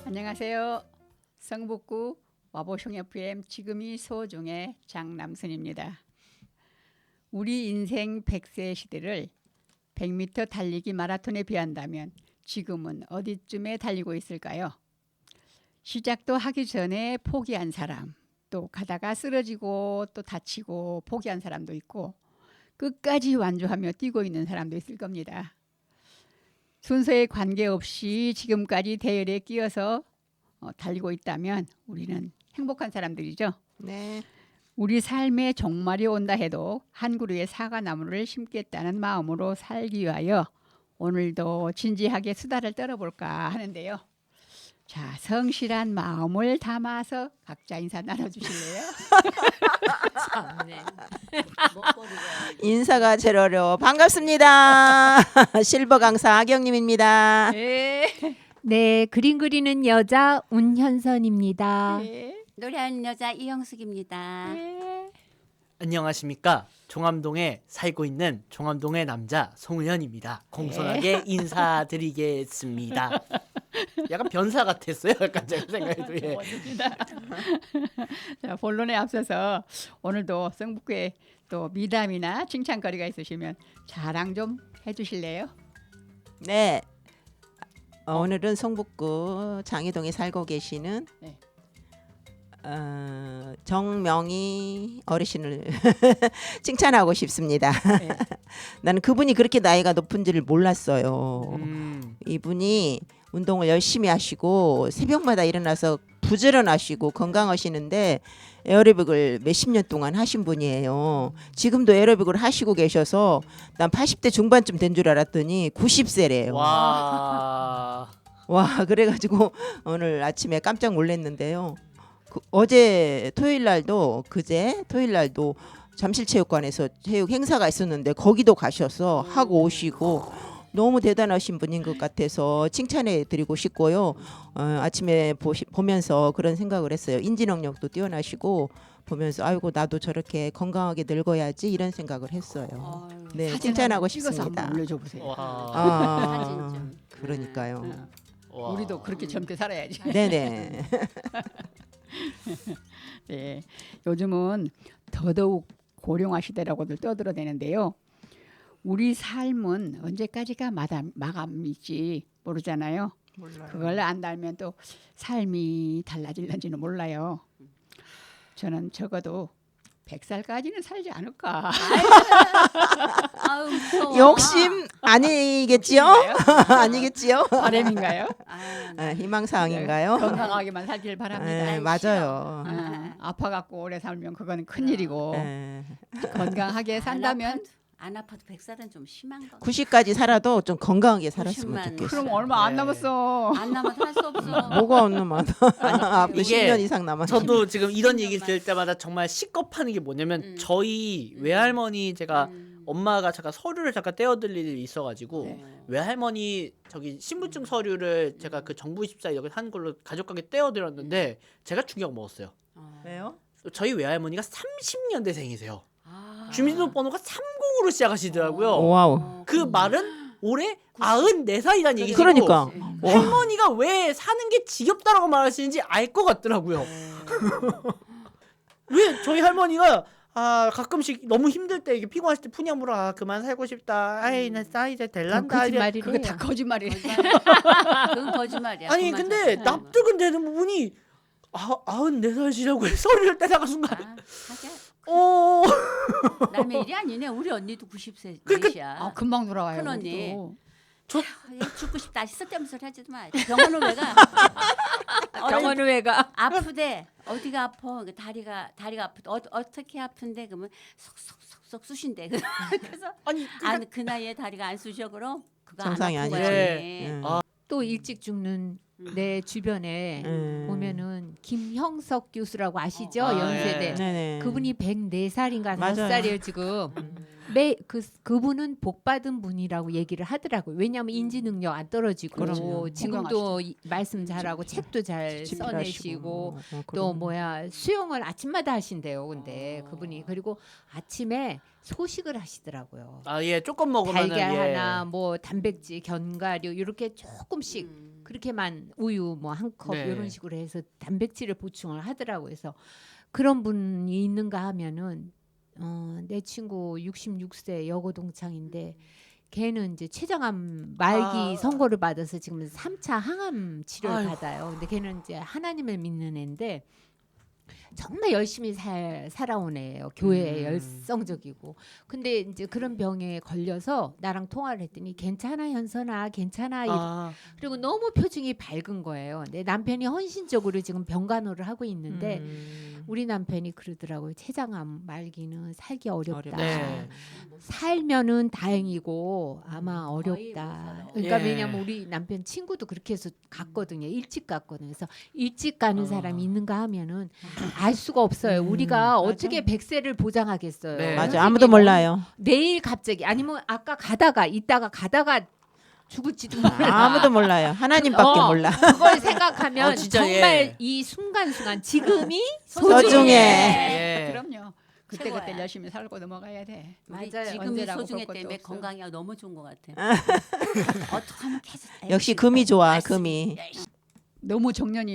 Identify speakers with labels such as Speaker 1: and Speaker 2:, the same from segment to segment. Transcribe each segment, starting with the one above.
Speaker 1: 안녕하세요. 성북구 와보숑 FM 지금이 소중의 장남순입니다. 우리 인생 100세 시대를 100m 달리기 마라톤에 비한다면 지금은 어디쯤에 달리고 있을까요? 시작도 하기 전에 포기한 사람, 또 가다가 쓰러지고 또 다치고 포기한 사람도 있고 끝까지 완주하며 뛰고 있는 사람도 있을 겁니다. 순서에 관계없이 지금까지 대열에 끼어서 달리고 있다면 우리는 행복한 사람들이죠.
Speaker 2: 네.
Speaker 1: 우리 삶에 종말이 온다 해도 한 그루의 사과나무를 심겠다는 마음으로 살기 위하여 오늘도 진지하게 수다를 떨어볼까 하는데요. 자, 성실한 마음을 담아서 각자 인사 나눠주실래요?
Speaker 3: 참네.
Speaker 2: 인사가 제일 어려워. 반갑습니다. 실버 강사 아경님입니다.
Speaker 3: 네, 그림 그리는 여자 운현선입니다.
Speaker 1: 네.
Speaker 4: 노래하는 여자 이영숙입니다.
Speaker 1: 네.
Speaker 5: 안녕하십니까. 종암동에 살고 있는 종암동의 남자 송은현입니다. 공손하게 인사드리겠습니다. 약간 변사 같았어요. 약간 제가 생각해도. 예.
Speaker 1: 자, 본론에 앞서서 오늘도 성북구에 또 미담이나 칭찬거리가 있으시면 자랑 좀 해주실래요?
Speaker 2: 네. 오늘은 성북구 장희동에 살고 계시는
Speaker 1: 네.
Speaker 2: 정명희 어르신을 칭찬하고 싶습니다.
Speaker 1: 네.
Speaker 2: 나는 그분이 그렇게 나이가 높은지를 몰랐어요. 이분이 운동을 열심히 하시고 새벽마다 일어나서 부지런하시고 건강하시는데 에어로빅을 몇십 년 동안 하신 분이에요. 지금도 에어로빅을 하시고 계셔서 난 80대 중반쯤 된 줄 알았더니 90세래요.
Speaker 5: 와.
Speaker 2: 그래가지고 오늘 아침에 깜짝 놀랐는데요. 어제 토요일 날도 잠실체육관에서 체육 행사가 있었는데 거기도 가셔서 하고 오시고 너무 대단하신 분인 것 같아서 칭찬해 드리고 싶고요. 아침에 보면서 그런 생각을 했어요. 인지 능력도 뛰어나시고 보면서 아이고 나도 저렇게 건강하게 늙어야지 이런 생각을 했어요. 네,
Speaker 1: 사진
Speaker 2: 칭찬하고
Speaker 1: 한번 찍어서
Speaker 2: 싶습니다.
Speaker 1: 한번 올려줘 보세요.
Speaker 5: 와.
Speaker 4: 사진 좀.
Speaker 2: 그러니까요.
Speaker 5: 와.
Speaker 1: 우리도 그렇게 젊게 살아야지.
Speaker 2: 네네.
Speaker 1: 네, 요즘은 더더욱 고령화 시대라고들 떠들어대는데요. 우리 삶은 언제까지가 마감일지 모르잖아요. 그걸 안다면 또 삶이 달라질는지는 몰라요. 저는 적어도 100살까지는 살지 않을까.
Speaker 4: 아유, 무서워.
Speaker 2: 욕심 아니겠지요? 아니겠지요?
Speaker 1: 바람인가요?
Speaker 2: 희망사항인가요?
Speaker 1: 건강하게만 살길 바랍니다.
Speaker 2: 맞아요.
Speaker 1: 아파갖고 오래 살면 그거는 큰일이고
Speaker 2: 네.
Speaker 1: 건강하게 산다면
Speaker 4: 안 아파도 100살은 좀 심한 거.
Speaker 2: 90까지 살아도 좀 건강하게 살았으면
Speaker 4: 90만.
Speaker 2: 좋겠어요.
Speaker 1: 그럼 얼마 안
Speaker 5: 네.
Speaker 1: 남았어.
Speaker 4: 안 남아도 할 수 없어.
Speaker 2: 뭐가 안 남아? 앞으로
Speaker 5: 이게
Speaker 2: 10년 이상 남았.
Speaker 5: 저도 지금 이런 얘기를 들을 때마다 정말 식겁하는 게 뭐냐면 저희 외할머니 제가 엄마가 잠깐 서류를 잠깐 떼어드릴 일이 있어가지고
Speaker 1: 네.
Speaker 5: 외할머니 저기 신분증 서류를 제가 그 정부24 이렇게 하는 걸로 가족관계 떼어드렸는데 제가 충격 먹었어요.
Speaker 2: 왜요?
Speaker 5: 저희 외할머니가 30년대생이세요.
Speaker 4: 아.
Speaker 5: 주민등록번호가 30으로 시작하시더라고요.
Speaker 2: 와우.
Speaker 5: 그 말은 올해 94살이라는 얘기고
Speaker 2: 그러니까.
Speaker 5: 할머니가 왜 사는 게 지겹다라고 말하시는지 알 것 같더라고요. 왜 저희 할머니가 가끔씩 너무 힘들 때 이게 피곤하실 때 푸념으로 그만 살고 싶다. 아이 나 이제 될란다.
Speaker 3: 거짓말이래.
Speaker 1: 그게 다 거짓말이에요.
Speaker 4: 그건 거짓말이야.
Speaker 5: 아니
Speaker 4: 그만
Speaker 5: 근데
Speaker 4: 살자.
Speaker 5: 납득은 되는 부분이 94살이라고 서류를 떼다가 순간
Speaker 4: 하자. 남의 일이 아니네. 우리 언니도 90세 몇이야.
Speaker 1: 금방 돌아와요.
Speaker 4: 큰 언니.
Speaker 1: 우리도.
Speaker 4: 죽고 싶다. 쓸데없는 소리 하지도 마. 병원을 왜 가?
Speaker 3: 병원을 왜 가?
Speaker 4: 아프대. 어디가 아파? 다리가 아프대. 어떻게 아픈데? 그러면 속속속속 쑤신대. 그래서
Speaker 5: 아니
Speaker 4: 그 나이에 다리가 안 쑤셔 그럼 그거
Speaker 2: 정상이
Speaker 4: 안 아픈
Speaker 2: 아니지.
Speaker 4: 거지.
Speaker 3: 또 일찍 죽는 내 주변에 보면은 김형석 교수라고 아시죠? 연세대.
Speaker 2: 네네.
Speaker 3: 그분이 104살인가
Speaker 2: 맞아요.
Speaker 3: 5살이에요 지금. 그분은 복 받은 분이라고 얘기를 하더라고요. 왜냐하면 인지 능력 안 떨어지고
Speaker 1: 그럼요.
Speaker 3: 지금도 말씀 잘하고 책도 잘 써내시고 또 수영을 아침마다 하신대요. 근데 그분이 그리고 아침에 소식을 하시더라고요.
Speaker 5: 예 조금 먹으면
Speaker 3: 달걀 하나, 뭐 단백질, 견과류 이렇게 조금씩 그렇게만 우유 뭐 한 컵
Speaker 5: 네.
Speaker 3: 이런 식으로 해서 단백질을 보충을 하더라고요. 그래서 그런 분이 있는가 하면은 내 친구 66세 여고 동창인데 걔는 이제 췌장암 말기 선고를 받아서 지금 3차 항암 치료를
Speaker 5: 아이고.
Speaker 3: 받아요. 근데 걔는 이제 하나님을 믿는 애인데 정말 열심히 살아온 애예요. 교회에 열성적이고. 근데 이제 그런 병에 걸려서 나랑 통화를 했더니 괜찮아 현선아 괜찮아 그리고 너무 표정이 밝은 거예요. 내 남편이 헌신적으로 지금 병간호를 하고 있는데 우리 남편이 그러더라고요. 췌장암 말기는 살기 어렵다.
Speaker 2: 어렵다.
Speaker 5: 네.
Speaker 3: 살면은 다행이고 아마
Speaker 4: 거의
Speaker 3: 어렵다.
Speaker 4: 못 살아.
Speaker 3: 그러니까
Speaker 5: 예.
Speaker 3: 왜냐면 우리 남편 친구도 그렇게 해서 갔거든요. 일찍 갔거든요. 그래서 일찍 가는 사람이 있는가 하면은 알 수가 없어요. 우리가 어떻게 100세를 보장하겠어요.
Speaker 5: 네.
Speaker 2: 맞아. 아무도 몰라요.
Speaker 3: 내일 갑자기 아니면 아까 가다가 있다가 가다가 죽을지도 몰라.
Speaker 2: 아무도 몰라요. 하나님밖에 몰라.
Speaker 3: 그걸 생각하면
Speaker 5: 진짜,
Speaker 3: 정말
Speaker 5: 예.
Speaker 3: 이 순간순간 지금이
Speaker 2: 소중해.
Speaker 3: 소중해.
Speaker 5: 예.
Speaker 1: 그럼요. 그때
Speaker 4: 최고야.
Speaker 1: 그때 열심히 살고 넘어가야 돼.
Speaker 4: 우리
Speaker 3: 맞아요.
Speaker 4: 지금이
Speaker 1: 언제라고
Speaker 4: 소중해
Speaker 1: 볼 것도
Speaker 4: 때문에
Speaker 1: 없어.
Speaker 4: 건강이 너무 좋은 것 같아. 어떻게 하면 계속
Speaker 2: 역시 금이 좋아.
Speaker 4: 열심히,
Speaker 2: 금이.
Speaker 4: 열심히.
Speaker 1: 너무 정년이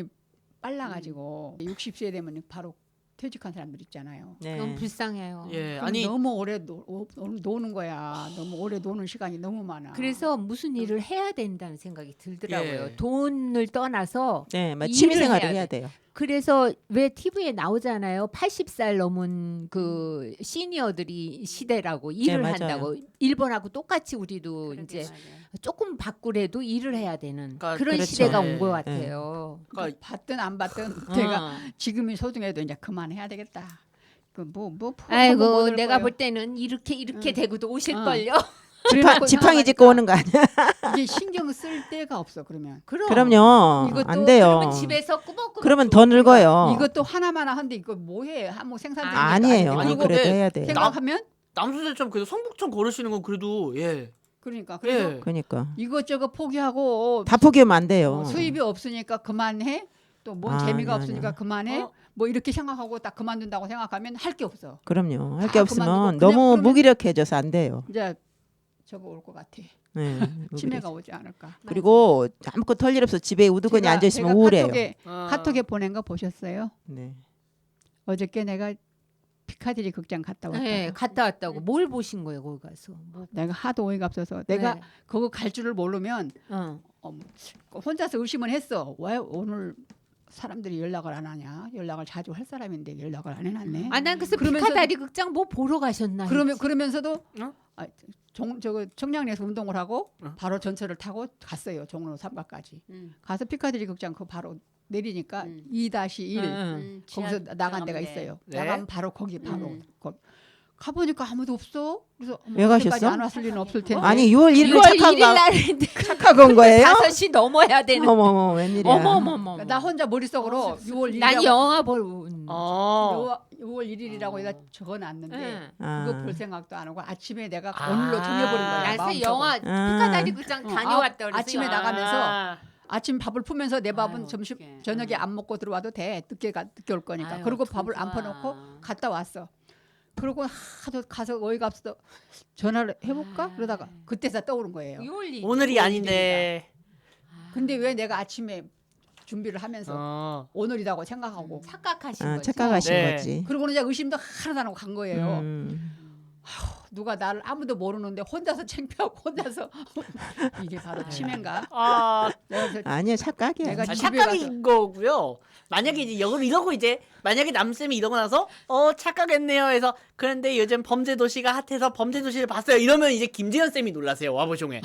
Speaker 1: 빨라가지고 60세 되면 바로 퇴직한 사람들 있잖아요.
Speaker 3: 너무
Speaker 2: 네.
Speaker 3: 불쌍해요.
Speaker 5: 예.
Speaker 1: 그럼
Speaker 5: 아니
Speaker 1: 너무 오래 노는 거야. 너무 오래 노는 시간이 너무 많아.
Speaker 3: 그래서 무슨 일을 해야 된다는 생각이 들더라고요.
Speaker 5: 예.
Speaker 3: 돈을 떠나서
Speaker 2: 네, 막
Speaker 3: 일을
Speaker 2: 취미생활을
Speaker 3: 해야
Speaker 2: 해야 돼요.
Speaker 3: 그래서 왜 TV에 나오잖아요. 80살 넘은 그 시니어들이 시대라고 일을
Speaker 2: 맞아요.
Speaker 3: 한다고. 일본하고 똑같이 우리도
Speaker 4: 그러게
Speaker 3: 이제
Speaker 4: 말이야.
Speaker 3: 조금 바꾸래도 일을 해야 되는
Speaker 5: 그러니까
Speaker 3: 그런
Speaker 2: 그렇죠.
Speaker 3: 시대가
Speaker 5: 네.
Speaker 3: 온 것 같아요.
Speaker 5: 그러니까
Speaker 1: 받든 안 받든
Speaker 3: 어.
Speaker 1: 내가 지금이 소중해도 이제 그만해야 되겠다. 그뭐
Speaker 3: 아이고 내가 볼 때는 이렇게 되고도 오실
Speaker 1: 응.
Speaker 3: 걸요.
Speaker 2: 지팡이 짚고 오는 거 아니야?
Speaker 1: 이게 신경 쓸 데가 없어. 그러면
Speaker 2: 그럼요.
Speaker 1: 이것도
Speaker 2: 안 돼요.
Speaker 3: 그러면 집에서 꾸벅꾸벅
Speaker 2: 그러면 더 늙어요.
Speaker 1: 이것도 하나만 한데 이거 뭐해? 한뭐 생산적인
Speaker 3: 아,
Speaker 1: 게
Speaker 2: 아니에요.
Speaker 1: 아니고
Speaker 2: 그래도
Speaker 5: 근데
Speaker 2: 해야 돼요.
Speaker 1: 생각하면
Speaker 5: 남수대처럼 그래도 성북천 걸으시는 건 그래도 예.
Speaker 1: 그러니까 그래서
Speaker 5: 예.
Speaker 2: 그러니까
Speaker 1: 이것저것 포기하고
Speaker 2: 다 포기하면 안 돼요.
Speaker 1: 수입이 없으니까 그만해. 또 뭔
Speaker 2: 아,
Speaker 1: 재미가
Speaker 2: 아니야,
Speaker 1: 없으니까
Speaker 2: 아니야.
Speaker 1: 그만해. 뭐 이렇게 생각하고 딱 그만둔다고 생각하면 할 게 없어.
Speaker 2: 그럼요. 할
Speaker 1: 다
Speaker 2: 게 없으면
Speaker 1: 그만두고
Speaker 2: 너무
Speaker 1: 그러면-
Speaker 2: 무기력해져서 안 돼요.
Speaker 1: 이제 저거 올 것 같아.
Speaker 2: 네,
Speaker 1: 치매가 오지 않을까.
Speaker 2: 그리고 아무것도 털 일 없어 집에 우두커니 앉아 있으면
Speaker 1: 제가
Speaker 2: 우울해요.
Speaker 1: 카톡에 보낸 거 보셨어요?
Speaker 2: 네.
Speaker 1: 어저께 내가 피카디리 극장 갔다 왔다.
Speaker 3: 네, 갔다 왔다고. 뭘 보신 거예요, 거기 가서? 뭐,
Speaker 1: 내가 하도 어이가 없어서 내가
Speaker 3: 네.
Speaker 1: 그거 갈 줄을 모르면
Speaker 3: 어.
Speaker 1: 혼자서 의심은 했어. 왜 오늘 사람들이 연락을 안 하냐? 연락을 자주 할 사람인데 연락을 안 해놨네.
Speaker 3: 아, 난 그래서
Speaker 1: 그러면서-
Speaker 3: 피카다리 극장 뭐 보러 가셨나?
Speaker 1: 그러면서도
Speaker 5: 어?
Speaker 1: 저거 청량리에서 운동을 하고
Speaker 5: 어?
Speaker 1: 바로 전철을 타고 갔어요. 종로 3가까지. 가서 피카디리 극장 그 바로 내리니까 2-1 거기서 나간 데가 있어요.
Speaker 5: 네.
Speaker 1: 나가면 바로 거기 바로 거기. 가보니까 아무도 없어. 그래서
Speaker 2: 왜 가셨어?
Speaker 1: 그때까지 안 왔을 리는 없을 텐데.
Speaker 2: 아니 6월 1일
Speaker 3: 6월
Speaker 2: 착한
Speaker 3: 1일
Speaker 2: 거
Speaker 3: 날인데
Speaker 2: 착하고 온 거예요?
Speaker 3: 5시 넘어야 되는.
Speaker 2: 어머머 웬일이야?
Speaker 3: 어머머머.
Speaker 1: 나 혼자 머릿속으로 6월 1일
Speaker 3: 난 영화 본.
Speaker 5: 어.
Speaker 1: 6월 1일이라고 해서 적어놨는데
Speaker 3: 응.
Speaker 1: 그거
Speaker 2: 아.
Speaker 1: 볼 생각도 안 하고 아침에 내가
Speaker 5: 아.
Speaker 1: 오늘로 정해버린 거야.
Speaker 3: 그래서
Speaker 1: 마음속으로.
Speaker 3: 영화 피카다리 극장 다녀왔다 그래서
Speaker 1: 아침에
Speaker 3: 영화.
Speaker 1: 나가면서 아침 밥을 풀면서 내 밥은
Speaker 4: 아유,
Speaker 1: 점심
Speaker 4: 어떡해.
Speaker 1: 저녁에 안 먹고 들어와도 돼. 늦게 올 거니까.
Speaker 4: 아유,
Speaker 1: 그리고
Speaker 4: 참
Speaker 1: 밥을 안
Speaker 4: 좋아.
Speaker 1: 퍼놓고 갔다 왔어. 그러고 하도 가서 어이가 없어서 전화를 해볼까? 그러다가 그때서 떠오른 거예요.
Speaker 3: 6월 1일.
Speaker 5: 오늘이 아닌데.
Speaker 1: 근데 왜 내가 아침에 준비를 하면서
Speaker 5: 어.
Speaker 1: 오늘이라고 생각하고
Speaker 3: 착각하신
Speaker 2: 아,
Speaker 3: 거지.
Speaker 2: 착각하신
Speaker 5: 네.
Speaker 2: 거지.
Speaker 1: 그러고는 이제 의심도 하나도 안 하고 간 거예요. 누가 나를 아무도 모르는데 혼자서 창피하고 혼자서 이게 바로 치매인가?
Speaker 5: 아,
Speaker 1: 내가 그래서
Speaker 2: 아니야 착각이야.
Speaker 1: 내가 집에
Speaker 5: 착각인 거고요. 만약에 이제 이러고 이제 만약에 남쌤이 이러고 나서 착각했네요 해서 그런데 요즘 범죄 도시가 핫해서 범죄 도시를 봤어요. 이러면 이제 김재현 쌤이 놀라세요. 와보종에.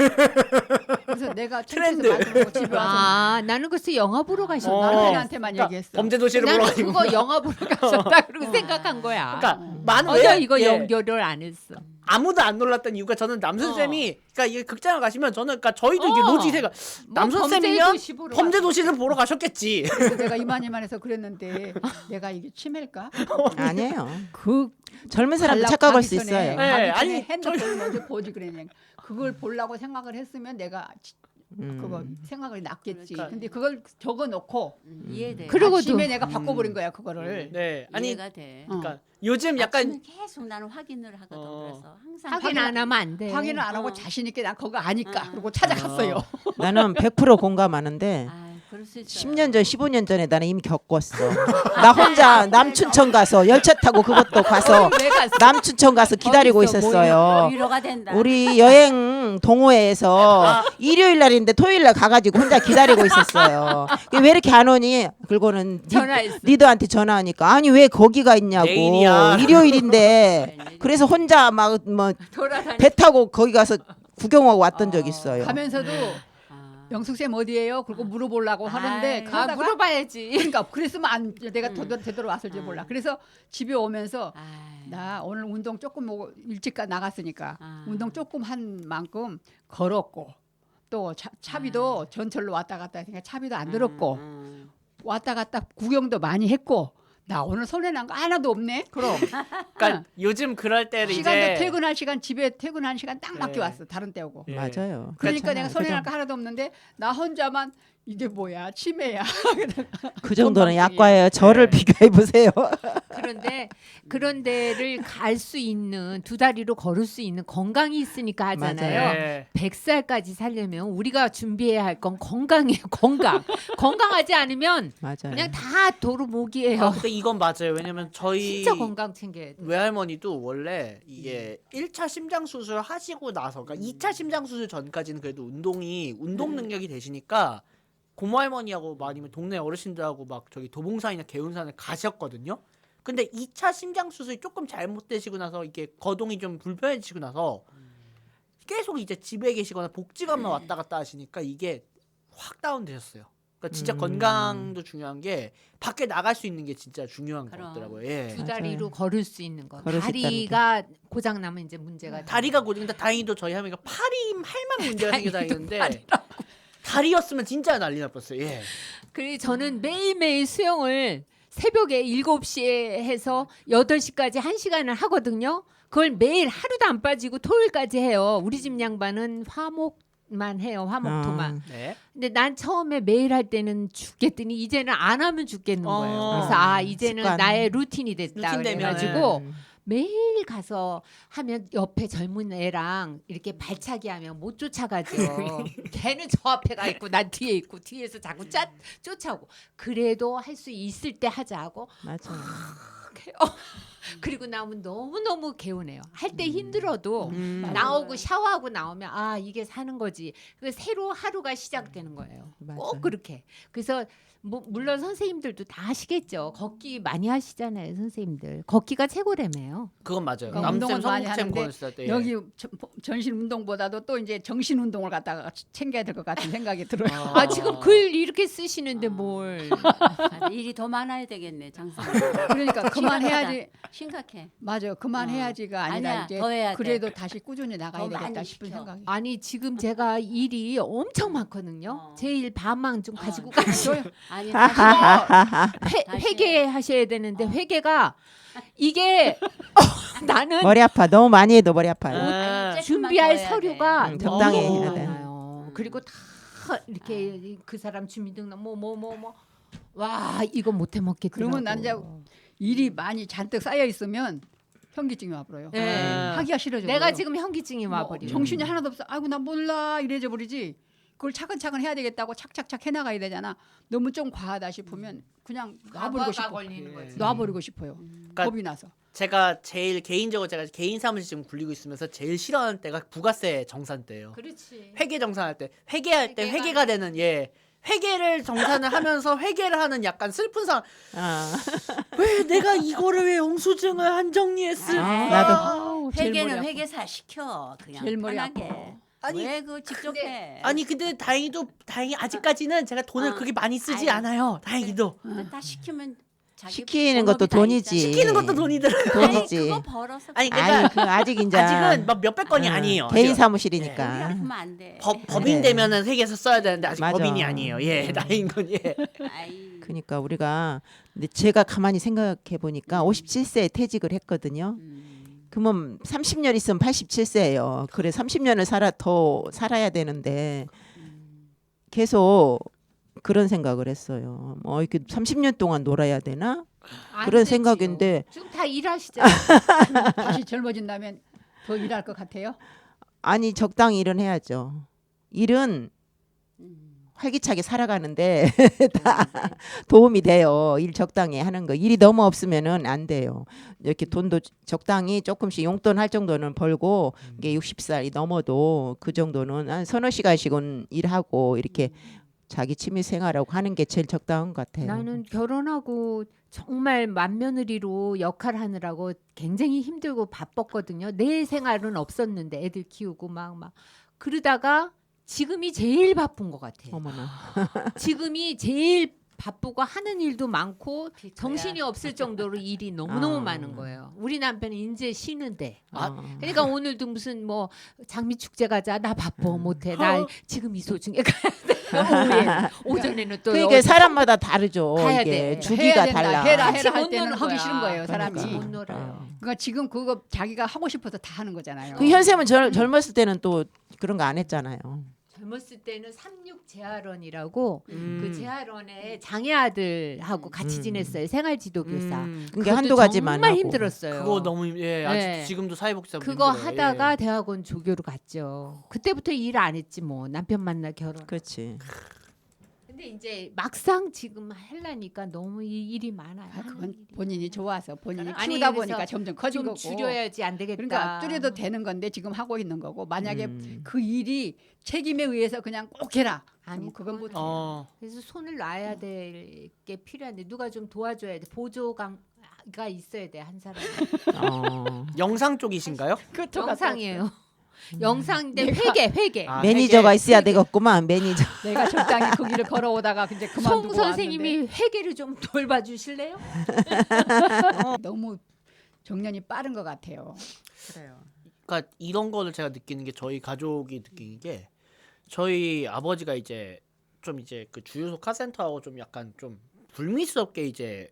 Speaker 1: 그래서 내가
Speaker 5: 트렌드.
Speaker 1: 창피해서 말도 못하고 집에 와서
Speaker 3: 아, 나는 글쎄 영화 보러 가셨나?
Speaker 1: 남편한테만
Speaker 5: 그러니까
Speaker 1: 얘기했어.
Speaker 5: 범죄 도시를 보러
Speaker 3: 나는
Speaker 5: 가지고.
Speaker 3: 그거 영화 보러 가셨다 그러고 생각한 거야.
Speaker 5: 그러니까 많은
Speaker 3: 맞아,
Speaker 5: 왜
Speaker 3: 이거
Speaker 5: 예.
Speaker 3: 연결을 안 했어.
Speaker 5: 아무도 안 놀랐던 이유가 저는 남순 쌤이 그러니까 이게 극장을 가시면 저는 그러니까 저희도 이게
Speaker 3: 어.
Speaker 5: 로지세가 남순
Speaker 3: 범죄
Speaker 5: 쌤이면
Speaker 3: 도시 보러
Speaker 5: 범죄 도시를 보러 가셨겠지.
Speaker 1: 그래서 내가 이만해서 그랬는데 내가 이게 치매일까?
Speaker 2: 아니에요.
Speaker 1: 그
Speaker 2: 젊은 사람도
Speaker 1: 가려고
Speaker 2: 착각할
Speaker 1: 가기
Speaker 2: 수
Speaker 1: 전에,
Speaker 2: 있어요.
Speaker 5: 네,
Speaker 1: 가기 전에
Speaker 5: 아니,
Speaker 1: 핸드폰을 먼저 보지 그랬냐. 그걸 보려고 생각을 했으면 내가 그거 생각이 났겠지.
Speaker 5: 그러니까.
Speaker 1: 근데 그걸 적어놓고
Speaker 4: 이해돼.
Speaker 3: 그리고도-
Speaker 1: 아침에 내가 바꿔버린 거야 그거를.
Speaker 5: 네. 아니
Speaker 4: 이해가 돼.
Speaker 5: 그러니까 요즘 약간
Speaker 4: 아침에 계속 나는 확인을 하거든. 그래서 항상
Speaker 3: 확인 안 하면 안 돼.
Speaker 1: 확인을 안 하고
Speaker 4: 어.
Speaker 1: 자신 있게 나 그거 아니까 그러고 찾아갔어요.
Speaker 2: 나는 100% 공감하는데
Speaker 4: 아, 그럴 수 있어요.
Speaker 2: 10년 전, 15년 전에 나는 이미 겪었어. 나 혼자 남춘천 가서 열차 타고 그것도 가서
Speaker 3: 왜 갔어?
Speaker 2: 남춘천 가서 기다리고
Speaker 3: 거기서
Speaker 2: 있었어요.
Speaker 4: 위로가 된다.
Speaker 2: 우리 여행 동호회에서 일요일 날인데 토요일 날 가가지고 혼자 기다리고 있었어요. 왜 이렇게 안 오니? 그러고는
Speaker 3: 전화했어.
Speaker 2: 리더한테 전화하니까 아니 왜 거기가 있냐고.
Speaker 5: 내일이야.
Speaker 2: 일요일인데. 그래서 혼자 막 뭐
Speaker 3: 돌아다니.
Speaker 2: 배 타고 거기 가서 구경하고 왔던 적 있어요.
Speaker 1: 가면서도
Speaker 4: 아.
Speaker 1: 영숙 쌤 어디예요? 그러고 물어보려고 하는데
Speaker 4: 아이.
Speaker 1: 그러다가
Speaker 3: 물어봐야지.
Speaker 1: 그러니까 그랬으면 안 내가 되돌아왔을지 몰라. 그래서 집에 오면서
Speaker 4: 아이.
Speaker 1: 나 오늘 운동 조금 뭐 일찍 나갔으니까
Speaker 4: 아.
Speaker 1: 운동 조금 한 만큼 걸었고 또 차비도 전철로 왔다 갔다 했으니까 차비도 안 들었고 왔다 갔다 구경도 많이 했고 나 오늘 손해 난 거 하나도 없네.
Speaker 5: 그럼 그러니까 요즘 그럴 때는
Speaker 1: 시간도
Speaker 5: 이제
Speaker 1: 퇴근할 시간 집에 퇴근한 시간 딱 맞게
Speaker 5: 네.
Speaker 1: 왔어. 다른 때 오고.
Speaker 5: 예.
Speaker 2: 맞아요.
Speaker 1: 그러니까 내가
Speaker 2: 그렇잖아요.
Speaker 1: 손해 날 거 하나도 없는데 나 혼자만 이게 뭐야 치매야.
Speaker 2: 그 정도는
Speaker 1: 건방지게.
Speaker 2: 약과예요. 저를
Speaker 5: 네.
Speaker 2: 비교해 보세요.
Speaker 3: 그런데 그런 데를 갈 수 있는 두 다리로 걸을 수 있는 건강이 있으니까 하잖아요.
Speaker 2: 맞아요.
Speaker 5: 네.
Speaker 3: 100살까지 살려면 우리가 준비해야 할 건 건강이에요. 건강. 건강하지 않으면
Speaker 2: 맞아요.
Speaker 3: 그냥 다 도루묵이에요.
Speaker 5: 아, 근데 이건 맞아요. 왜냐면 저희
Speaker 3: 진짜 건강 챙겨야 돼.
Speaker 5: 외할머니도 원래 이게 1차 심장 수술 하시고 나서 그러니까 2차 심장 수술 전까지는 그래도 운동 능력이 되시니까 고모할머니하고 뭐 아니면 동네 어르신들하고 막 저기 도봉산이나 개운산을 가셨거든요. 근데 2차 심장 수술이 조금 잘못되시고 나서 이게 거동이 좀 불편해지시고 나서 계속 이제 집에 계시거나 복지관만 왔다 갔다 하시니까 이게 확 다운되셨어요. 그러니까 진짜 건강도 중요한 게 밖에 나갈 수 있는 게 진짜 중요한 것
Speaker 4: 그럼.
Speaker 5: 같더라고요. 예.
Speaker 3: 두 다리로 걸을 수 있는 거.
Speaker 2: 걸을 수
Speaker 3: 다리가 고장 나면 이제 문제가 돼.
Speaker 5: 다리가 고정. 근데 다행히도 저희 할머니가 팔만 문제가 생겨 다니는데 다리였으면 진짜 난리 날 뻔했어요. 예.
Speaker 3: 그리고 저는 매일매일 수영을 새벽에 7시에 해서 8시까지 1시간을 하거든요. 그걸 매일 하루도 안 빠지고 토요일까지 해요. 우리 집 양반은 화목만 해요. 화목토만.
Speaker 5: 네.
Speaker 3: 근데 난 처음에 매일 할 때는 죽겠더니 이제는 안 하면 죽겠는 거예요.
Speaker 5: 어.
Speaker 3: 그래서 이제는
Speaker 2: 습관.
Speaker 3: 나의 루틴이 됐다.
Speaker 5: 루틴 되면은.
Speaker 3: 그래가지고 매일 가서 하면 옆에 젊은 애랑 이렇게 발차기 하면 못 쫓아가죠. 걔는 저 앞에 가 있고 난 뒤에 있고 뒤에서 자꾸 쫓아오고. 그래도 할 수 있을 때 하자고.
Speaker 2: 맞아.
Speaker 3: 그리고 나오면 너무너무 개운해요. 할 때 힘들어도
Speaker 5: 음.
Speaker 3: 나오고 샤워하고 나오면 이게 사는 거지. 그래서 새로 하루가 시작되는 거예요.
Speaker 2: 맞아.
Speaker 3: 꼭 그렇게. 그래서 물론 선생님들도 다 하시겠죠. 걷기 많이 하시잖아요, 선생님들. 걷기가 최고라며요.
Speaker 5: 그건 맞아요.
Speaker 1: 그러니까
Speaker 5: 남쌤
Speaker 1: 운동을 많이
Speaker 5: 성북쌤
Speaker 1: 하는데
Speaker 5: 보냈을 때 예.
Speaker 1: 여기 전신 운동보다도 또 이제 정신 운동을 갖다가 챙겨야 될 것 같은 생각이 들어요.
Speaker 3: 지금 글 이렇게 쓰시는데 뭘?
Speaker 4: 아, 일이 더 많아야 되겠네 장사님.
Speaker 1: 그러니까 그만해야지.
Speaker 4: 심각해.
Speaker 1: 맞아요. 그만해야지가 아니라
Speaker 4: 아니야,
Speaker 1: 이제
Speaker 4: 더 해야 돼.
Speaker 1: 그래도 다시 꾸준히 나가야
Speaker 4: 더
Speaker 1: 되겠다
Speaker 4: 많이
Speaker 1: 싶은
Speaker 4: 시켜.
Speaker 1: 생각이.
Speaker 3: 아니 지금 제가 일이 엄청 많거든요. 제일 반망 좀 가지고
Speaker 1: 아,
Speaker 3: 가셔요.
Speaker 4: 아니 다시
Speaker 3: 회계하셔야 되는데 회계가 이게 나는
Speaker 2: 머리 아파. 너무 많이 해도 머리 아파요.
Speaker 5: 아,
Speaker 3: 준비할 서류가
Speaker 2: 적당히
Speaker 3: 너무
Speaker 2: 해야 돼.
Speaker 3: 많아요. 그리고 다 이렇게 그 사람 주민등록 와 이거 못해 먹겠더라고.
Speaker 1: 그러면 난 이제 일이 많이 잔뜩 쌓여 있으면 현기증이 와버려요.
Speaker 3: 네.
Speaker 1: 하기가 싫어져.
Speaker 3: 내가 지금 현기증이
Speaker 1: 뭐
Speaker 3: 와버려.
Speaker 1: 정신이 하나도 없어. 아이고 나 몰라 이래져 버리지. 그걸 차근차근 해야 되겠다고 착착착 해나가야 되잖아. 너무 좀 과하다 싶으면 그냥 놔버리고 싶어.
Speaker 3: 걸리는 거지.
Speaker 1: 놔버리고 싶어요. 겁이 나서.
Speaker 5: 제가 제일 개인적으로 제가 개인 사무실 지금 굴리고 있으면서 제일 싫어하는 때가 부가세 정산 때예요.
Speaker 3: 그렇지.
Speaker 5: 회계 정산할 때 회계할 때
Speaker 3: 회계가-
Speaker 5: 회계가 되는 회계를 정산을 하면서 회계를 하는 약간 슬픈 상황. 왜 내가 이거를 왜 영수증을 한 정리했을까?
Speaker 2: 나도.
Speaker 1: 제일 머리
Speaker 4: 회계는
Speaker 1: 아파.
Speaker 4: 회계사 시켜 그냥
Speaker 1: 제일 머리
Speaker 4: 편하게.
Speaker 1: 아파.
Speaker 5: 아니,
Speaker 4: 왜 그 직접 해?
Speaker 5: 아니 근데 다행히 아직까지는 제가 돈을 그렇게 많이 쓰지 않아요. 다행히도
Speaker 4: 근데 딱 시키면 자기
Speaker 2: 시키는
Speaker 4: 본업이
Speaker 2: 것도
Speaker 4: 다
Speaker 2: 돈이지.
Speaker 4: 있잖아.
Speaker 5: 시키는 것도 돈이 들어요.
Speaker 2: 돈이지.
Speaker 4: 아니, 그거 벌어서
Speaker 5: 아니,
Speaker 2: 아니
Speaker 5: 그러니까
Speaker 2: 그 아직 이제
Speaker 5: 아직은 막 몇백 건이 아니에요.
Speaker 2: 개인
Speaker 5: 아직은.
Speaker 4: 우리
Speaker 2: 사무실이니까.
Speaker 4: 아프면 안 돼.
Speaker 5: 법인
Speaker 2: 그래.
Speaker 5: 되면은 회계에서 써야 되는데 아직
Speaker 2: 맞아.
Speaker 5: 법인이 아니에요. 예, 다행인 건 예.
Speaker 4: 아이.
Speaker 2: 그러니까 우리가 근데 제가 가만히 생각해 보니까 57세에 퇴직을 했거든요. 그러면 30년 있으면 87세예요. 그래 30년을 더 살아야 되는데 계속 그런 생각을 했어요. 뭐 이렇게 30년 동안 놀아야 되나?
Speaker 3: 안
Speaker 2: 그런
Speaker 3: 되지요.
Speaker 2: 생각인데
Speaker 3: 지금 다 일하시잖아요.
Speaker 1: 다시 젊어진다면 더 일할 것 같아요.
Speaker 2: 아니 적당히 일은 해야죠. 일은 활기차게 살아가는데 다 도움이 돼요. 일 적당히 하는 거. 일이 너무 없으면은 안 돼요. 이렇게 돈도 적당히 조금씩 용돈 할 정도는 벌고 이게 60살이 넘어도 그 정도는 한 서너 시간씩은 일하고 이렇게 자기 취미 생활하고 하는 게 제일 적당한 것 같아요.
Speaker 3: 나는 결혼하고 정말 맏며느리로 역할하느라고 굉장히 힘들고 바빴거든요. 내 생활은 없었는데 애들 키우고 막 그러다가 지금이 제일 바쁜 것 같아요.
Speaker 2: 어머나.
Speaker 3: 지금이 제일 바쁘고 하는 일도 많고 정신이 없을 정도로 일이 너무너무
Speaker 2: 아.
Speaker 3: 많은 거예요. 우리 남편은 이제 쉬는데.
Speaker 2: 아.
Speaker 3: 그러니까 오늘도 무슨 뭐 장미 축제 가자. 나 바빠 못해. 나 지금 이 소중에 가야 돼. 오전에는 또
Speaker 2: 그러니까
Speaker 3: 어디
Speaker 2: 사람마다 다르죠.
Speaker 3: 가야
Speaker 2: 이게
Speaker 3: 돼.
Speaker 1: 해야
Speaker 2: 주기가
Speaker 1: 된다.
Speaker 2: 달라.
Speaker 1: 해라
Speaker 3: 같이
Speaker 1: 할
Speaker 3: 못
Speaker 1: 때는
Speaker 3: 노는
Speaker 1: 하기
Speaker 3: 거야.
Speaker 1: 싫은 거예요, 사람이.
Speaker 3: 같이 못
Speaker 2: 그러니까.
Speaker 3: 놀아요.
Speaker 1: 그러니까 지금 그거 자기가 하고 싶어서 다 하는 거잖아요.
Speaker 2: 그 현쌤은 젊었을 때는 또 그런 거 안 했잖아요.
Speaker 3: 젊었을 때는 삼육 재활원이라고
Speaker 5: 음.
Speaker 3: 그 재활원에 장애 아들하고 같이 지냈어요. 생활지도 교사.
Speaker 2: 그게
Speaker 3: 그것도
Speaker 2: 한두 가지만
Speaker 3: 정말
Speaker 2: 하고.
Speaker 3: 힘들었어요.
Speaker 5: 그거 너무 예 아직
Speaker 3: 네.
Speaker 5: 지금도 사회복지사
Speaker 3: 그거
Speaker 5: 힘들어요.
Speaker 3: 하다가
Speaker 5: 예.
Speaker 3: 대학원 조교로 갔죠. 그때부터 일 안 했지 뭐. 남편 만나 결혼.
Speaker 2: 그렇지.
Speaker 3: 근데 이제 막상 지금 하려니까 너무 일이 많아요.
Speaker 1: 아, 그건 본인이 좋아서 본인이
Speaker 3: 아니,
Speaker 1: 키우다
Speaker 3: 그래서
Speaker 1: 보니까 점점 커진
Speaker 3: 좀
Speaker 1: 거고.
Speaker 3: 줄여야지 안 되겠다.
Speaker 1: 그러니까 줄여도 되는 건데 지금 하고 있는 거고 만약에
Speaker 2: 음.
Speaker 1: 그 일이 책임에 의해서 그냥 꼭 해라.
Speaker 3: 아니,
Speaker 1: 아니 그건 못.
Speaker 5: 어.
Speaker 3: 그래서 손을 놔야 될 게 필요한데 누가 좀 도와줘야 돼. 보조가 있어야 돼 한 사람.
Speaker 5: 영상 쪽이신가요?
Speaker 3: 영상이에요. 영상인데 회계.
Speaker 5: 아,
Speaker 2: 매니저가
Speaker 5: 회계.
Speaker 2: 있어야 되겠구만. 매니저.
Speaker 1: 내가 적당히 그 길을 걸어오다가 이제 그만두고
Speaker 3: 송 선생님이 회계를 좀 돌봐주실래요?
Speaker 1: 왔는데 너무 정년이 빠른 것 같아요.
Speaker 2: 그래요.
Speaker 5: 그러니까 이런 거를 제가 느끼는 게 저희 가족이 느끼는 게 저희 아버지가 이제 좀 이제 그 주유소 카센터하고 좀 약간 좀 불미스럽게 이제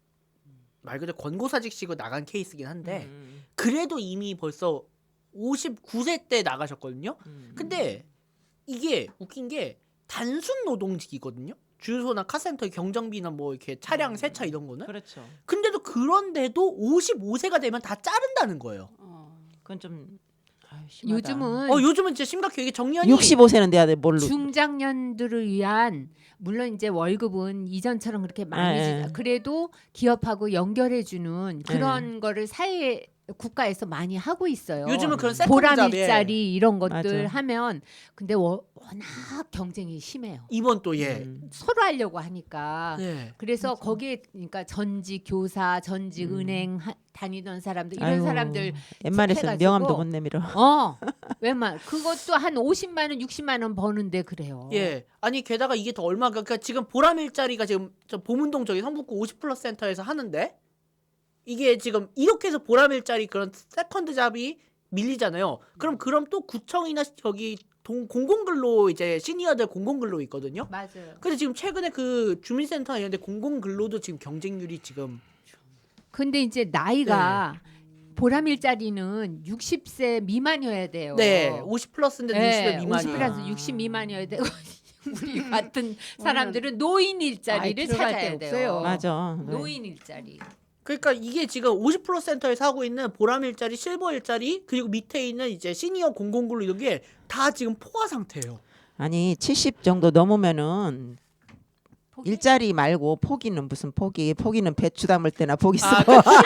Speaker 5: 말 그대로 권고사직식으로 나간 케이스긴 한데 그래도 이미 벌써 59세 때 나가셨거든요. 근데 이게 웃긴 게 단순 노동직이거든요. 주유소나 카센터 경정비나 뭐 이렇게 차량 세차 이런 거는.
Speaker 2: 그렇죠.
Speaker 5: 근데도 그런데도 55세가 되면 다 자른다는 거예요.
Speaker 2: 그건 좀 심하다.
Speaker 3: 요즘은
Speaker 5: 요즘은 진짜 심각해요. 이게 정년이
Speaker 2: 65세는 돼야 돼. 뭘로?
Speaker 3: 중장년들을 위한 물론 이제 월급은 이전처럼 그렇게 많이
Speaker 2: 네.
Speaker 3: 그래도 기업하고 연결해주는 그런 거를 국가에서 많이 하고 있어요.
Speaker 5: 요즘은 그런 세컨드
Speaker 3: 보람
Speaker 5: 잡에
Speaker 3: 일자리 이런 것들
Speaker 2: 맞아.
Speaker 3: 하면 근데 워낙 경쟁이 심해요.
Speaker 5: 이번 또 예.
Speaker 3: 서로 하려고 하니까
Speaker 5: 네.
Speaker 3: 그래서 거기에 그러니까 전직 교사, 전직 은행 다니던 사람들 이런
Speaker 2: 아이고,
Speaker 3: 사람들
Speaker 2: 웬만해서
Speaker 3: 해가지고
Speaker 2: 명함도 못 내밀어.
Speaker 3: 웬만 그것도 한 50만 원, 60만 원 버는데 그래요.
Speaker 5: 예. 아니 게다가 이게 더 얼마 그러니까 지금 보람 일자리가 지금 저 보문동 저기 성북구 50플러스 센터에서 하는데 이게 지금 이렇게 해서 보람 일자리 그런 세컨드 잡이 밀리잖아요. 그럼 또 구청이나 저기 공공근로 이제 시니어들 공공근로 있거든요.
Speaker 3: 맞아요.
Speaker 5: 근데 지금 최근에 그 주민센터나 이런 데 공공근로도 지금 경쟁률이 지금
Speaker 3: 근데 이제 나이가 보람 일자리는 60세 미만이어야 돼요.
Speaker 5: 네. 50플러스인데 60세 미만이에요.
Speaker 3: 50 플러스 60 미만이어야 되고 우리 같은 사람들은 노인 일자리를
Speaker 1: 아이, 들어갈
Speaker 3: 찾아야
Speaker 1: 데
Speaker 3: 돼요.
Speaker 1: 없어요.
Speaker 2: 맞아.
Speaker 3: 노인 일자리.
Speaker 5: 그러니까 이게 지금 50플러스 센터에서 하고 있는 보람 일자리, 실버 일자리 그리고 밑에 있는 이제 시니어 공공근로 이런 게 다 지금 포화 상태예요.
Speaker 2: 아니 70 정도 넘으면은 일자리 말고 포기는 무슨 포기는 배추 담을 때나 포기 쓰고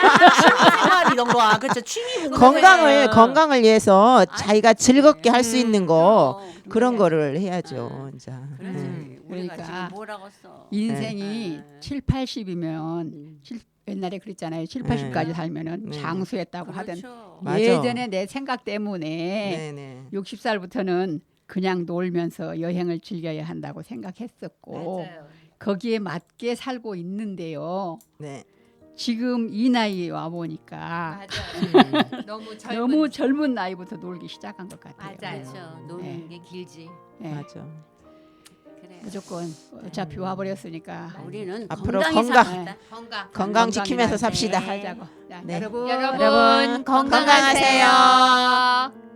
Speaker 5: 생활 이런 거 그렇죠. 취미
Speaker 2: 건강을 위해서 자기가 즐겁게 할 수 있는 거 그런
Speaker 4: 그래야지.
Speaker 2: 거를 해야죠. 이제.
Speaker 4: 그렇지. 우리가
Speaker 1: 그러니까
Speaker 4: 지금 뭐라고 써.
Speaker 1: 인생이 7, 80이면 옛날에 그랬잖아요. 7, 80까지 살면은
Speaker 2: 네.
Speaker 1: 장수했다고 하던.
Speaker 4: 그렇죠.
Speaker 2: 맞아.
Speaker 1: 예전에 내 생각 때문에
Speaker 2: 네네.
Speaker 1: 60살부터는 그냥 놀면서 여행을 즐겨야 한다고 생각했었고
Speaker 3: 맞아요.
Speaker 1: 거기에 맞게 살고 있는데요.
Speaker 2: 네.
Speaker 1: 지금 이 나이에 와 보니까
Speaker 3: 맞아요.
Speaker 1: 너무 젊은 나이부터 놀기 시작한 것 같아요.
Speaker 3: 맞아요.
Speaker 4: 그렇죠. 노는 게 길지.
Speaker 1: 네.
Speaker 2: 맞아.
Speaker 4: 그래.
Speaker 1: 무조건 어차피 와버렸으니까
Speaker 4: 우리는
Speaker 2: 앞으로
Speaker 4: 건강히
Speaker 2: 건강.
Speaker 4: 삽시다.
Speaker 2: 건강 지키면서 삽시다.
Speaker 1: 살자고. 자,
Speaker 2: 네.
Speaker 1: 여러분
Speaker 3: 여러분 건강하세요.